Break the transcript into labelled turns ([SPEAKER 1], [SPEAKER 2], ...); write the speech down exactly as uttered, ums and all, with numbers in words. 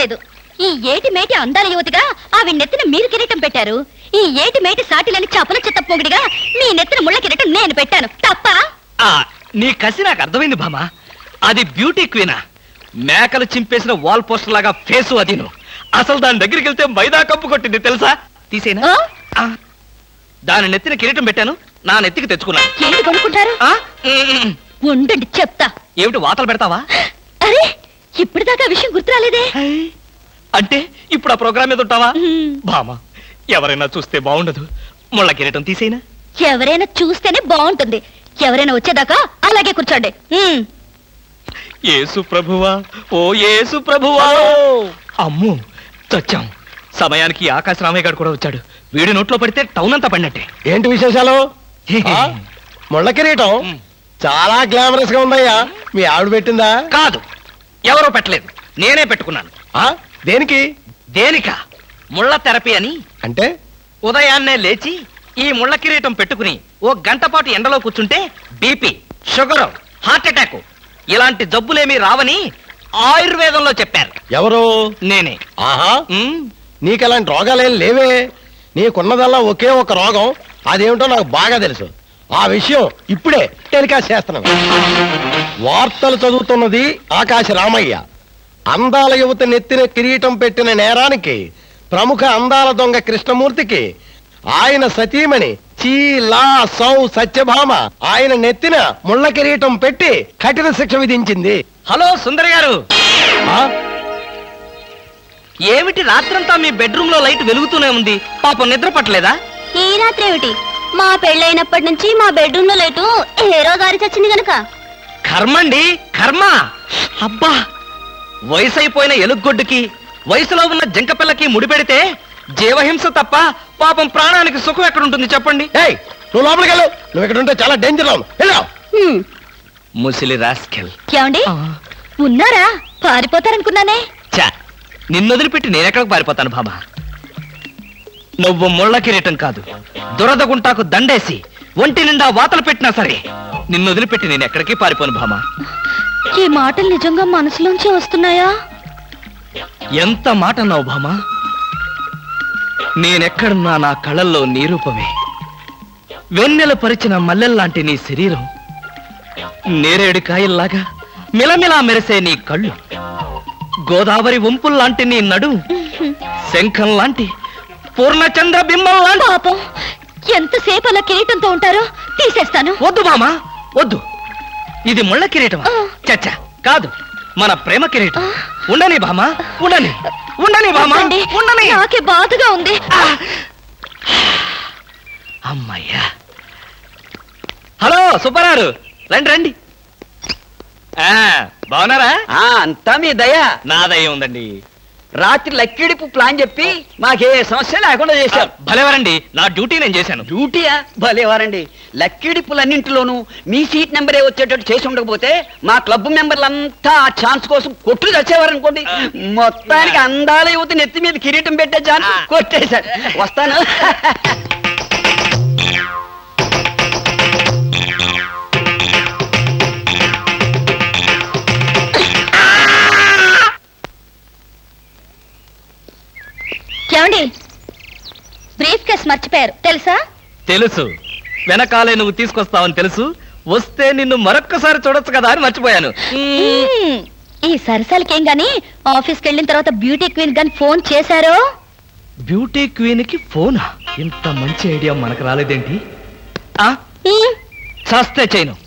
[SPEAKER 1] లేదు. ఈ ఏటి మేటి అందాల యువతిగా ఆవి నెత్తిన మీరు కిరీటం పెట్టారు. ఈ ఏటి మేటి సాటిలని చపల చెత్త పొగిడిగా మీ నెత్తిన ముళ్ళ కిరీటం నేను పెట్టాను. తప్ప?
[SPEAKER 2] నీ కసి నాకు అర్థమైంది భామా. అది బ్యూటీ క్వీనా? మేకలు చింపేసిన వాల్ పోస్టర్ లాగా ఫేసు అది. అసలు దాని దగ్గరికి వెళ్తే మైదా కప్పు కొట్టింది తెలుసా? తీసేనా? దాని నెత్తిన కిరీటం పెట్టాను, నా నెత్తికి తెచ్చుకున్నాను.
[SPEAKER 1] ఏంటి కొనుక్కుంటారు? ఉండండి చెప్తా.
[SPEAKER 2] ఏమిటి వాతలు పెడతావా?
[SPEAKER 1] అరే ఇప్పుడు దాకా విషయం గుర్తురాలేదే.
[SPEAKER 2] అంటే ఇప్పుడు ఆ ప్రోగ్రామ్ మీద ఉంటావా? భామా, ఎవరైనా చూస్తే బాగుండదు. ముళ్ళ కిరీటం తీసేనా?
[SPEAKER 1] ఎవరైనా చూస్తేనే బాగుంటుంది. ఎవరైనా వచ్చేదాకా అలాగే కూర్చోండి.
[SPEAKER 2] యేసు ప్రభువా, ఓ యేసు ప్రభువా. అమ్మో చచ్చాం. సమయానికి ఆకాశ రామయ్య గారు కూడా వచ్చాడు. వీడి నోట్లో పడితే టౌన్ అంతా పడినట్టే.
[SPEAKER 3] ఏంటి విశేషాలు? ముళ్ళ కిరీటం చాలా గ్లామరస్ గా ఉందయ్యా. మీ ఆవిడ పెట్టిందా?
[SPEAKER 2] కాదు, ఎవరో పెట్టలేదు, నేనే పెట్టుకున్నాను.
[SPEAKER 3] దేనికి?
[SPEAKER 2] దేనికా? ముళ్ళ థెరపీ అని.
[SPEAKER 3] అంటే
[SPEAKER 2] ఉదయాన్నే లేచి ఈ ముళ్ళ కిరీటం పెట్టుకుని ఓ గంట పాటు ఎండలో కూర్చుంటే బీపీ, షుగర్, హార్ట్ అటాక్ ఇలాంటి జబ్బులేమీ రావని ఆయుర్వేదంలో చెప్పారు.
[SPEAKER 3] ఎవరు?
[SPEAKER 2] నేనే.
[SPEAKER 3] ఆహా, నీకు అలాంటి రోగాలేం లేవే. నీకున్నదల్లా ఒకే ఒక రోగం. అదేమిటో నాకు బాగా తెలుసు. ఆ విషయం ఇప్పుడే టెలికాస్ట్ చేస్తున్నాను. వార్తలు చదువుతున్నది ఆకాశ రామయ్య. అందాల యువత నెత్తిన కిరీటం పెట్టిన నేరానికి ప్రముఖ అందాల దొంగ కృష్ణమూర్తికి ఆయన సతీమణి చీలా సౌ సత్యభామ ఆయన నెత్తిన ముళ్ళ కిరీటం పెట్టి కఠిన శిక్ష విధించింది.
[SPEAKER 2] హలో సుందరి గారు, ఏమిటి రాత్రంతా మీ బెడ్రూమ్ లో లైట్ వెలుగుతూనే ఉంది? పాపం నిద్ర పట్టలేదా?
[SPEAKER 1] ఈ రాత్రి ఏమిటి? మా పెళ్ళైనప్పటి నుంచి మా బెడ్రూమ్ లో లైటు హీరో గారి చచ్చింది గనక.
[SPEAKER 2] కర్మండి, కర్మ. అబ్బా, వయసు అయిపోయిన ఎలుగొడ్డుకి వయసులో ఉన్న జంకపిల్లకి ముడిపెడితే జీవహింస తప్ప పాపం ప్రాణానికి సుఖం ఎక్కడుంటుంది చెప్పండి?
[SPEAKER 3] ఏయ్, నువ్వు లోపలికి వెళ్ళు. నువ్వు ఇక్కడ ఉంటే చాలా డేంజర్.
[SPEAKER 2] ముసిలి రాస్కెల్.
[SPEAKER 1] ఏమండి ఉన్నారా? పారిపోతారనుకున్నానే.
[SPEAKER 2] చా, నిన్నొదిలిపెట్టి నేనెక్కడికి పారిపోతాను బాబా? నువ్వు ముళ్ళ కిరీటం కాదు, దురద గుంటాకు దండేసి ఒంటి నిండా వాతలు పెట్టినా సరే నిన్ను వదిలిపెట్టి నేను ఎక్కడికి పారిపోను భామా.
[SPEAKER 1] ఈ మాటలు నిజంగా మనసులోంచి వస్తున్నాయా?
[SPEAKER 2] ఎంత మాట అన్నావు భామా. నేనెక్కడున్నా నా కళ్ళల్లో నీ రూపమే. వెన్నెల పరిచిన మల్లెల్లాంటి నీ శరీరం, నేరేడు కాయల్లాగా మిలమిలా మెరిసే నీ కళ్ళు, గోదావరి వంపుల్లాంటి నీ నడు, శంఖం లాంటి పూర్ణచంద్ర బింబం లాంటి.
[SPEAKER 1] పాపం, ఎంతసేపు అలా కిరీటంతో ఉంటారో తీసేస్తాను.
[SPEAKER 2] వద్దు మామా, వద్దు. ఇది ముళ్ళ కిరీటమా? చచ్చా, కాదు, మన ప్రేమ కిరీటం. ఉండని భామా, ఉండని, ఉండని భామా, ఉండని.
[SPEAKER 1] నాకే బాధగా ఉంది.
[SPEAKER 2] అమ్మయ్యా. హలో సుబ్బారావు, రండి రండి. బాగున్నారా?
[SPEAKER 4] అంతా మీ దయ.
[SPEAKER 2] నా దయ ఉందండి.
[SPEAKER 4] రాత్రి లక్కిడిపు ప్లాన్ చెప్పి మాకే సమస్య లేకుండా చేశారు.
[SPEAKER 2] భలేవారండి, నా డ్యూటీ నేను చేశాను.
[SPEAKER 4] డ్యూటీయా? భలేవారండి. లక్కిడిపులన్నింటిలోనూ మీ సీట్ నెంబరే వచ్చేటట్టు చేసి ఉండకపోతే మా క్లబ్ మెంబర్లంతా ఆ ఛాన్స్ కోసం కొట్టుకు వచ్చేవారనుకోండి. మొత్తానికి అందాల యువత నెత్తి మీద కిరీటం పెట్టే ఛాన్స్ కొట్టేశారు. వస్తాను.
[SPEAKER 1] ఏమండి, బ్రీఫ్ కేస్ మర్చిపోయారు తెలుసా?
[SPEAKER 2] తెలుసు, వెనకాలే నువ్వు తీసుకొస్తావని తెలుసు. వస్తే నిన్ను మరొక్కసారి చూడొచ్చు కదా అని మర్చిపోయాను.
[SPEAKER 1] ఈ సరసాలకేం గాని ఆఫీస్కి వెళ్ళిన తర్వాత బ్యూటీ క్వీన్ గాని ఫోన్ చేశారో?
[SPEAKER 2] బ్యూటీ క్వీన్ కి ఫోనా? ఇంత మంచి ఐడియా మనకు రాలేదేంటి? చస్తే చేయను.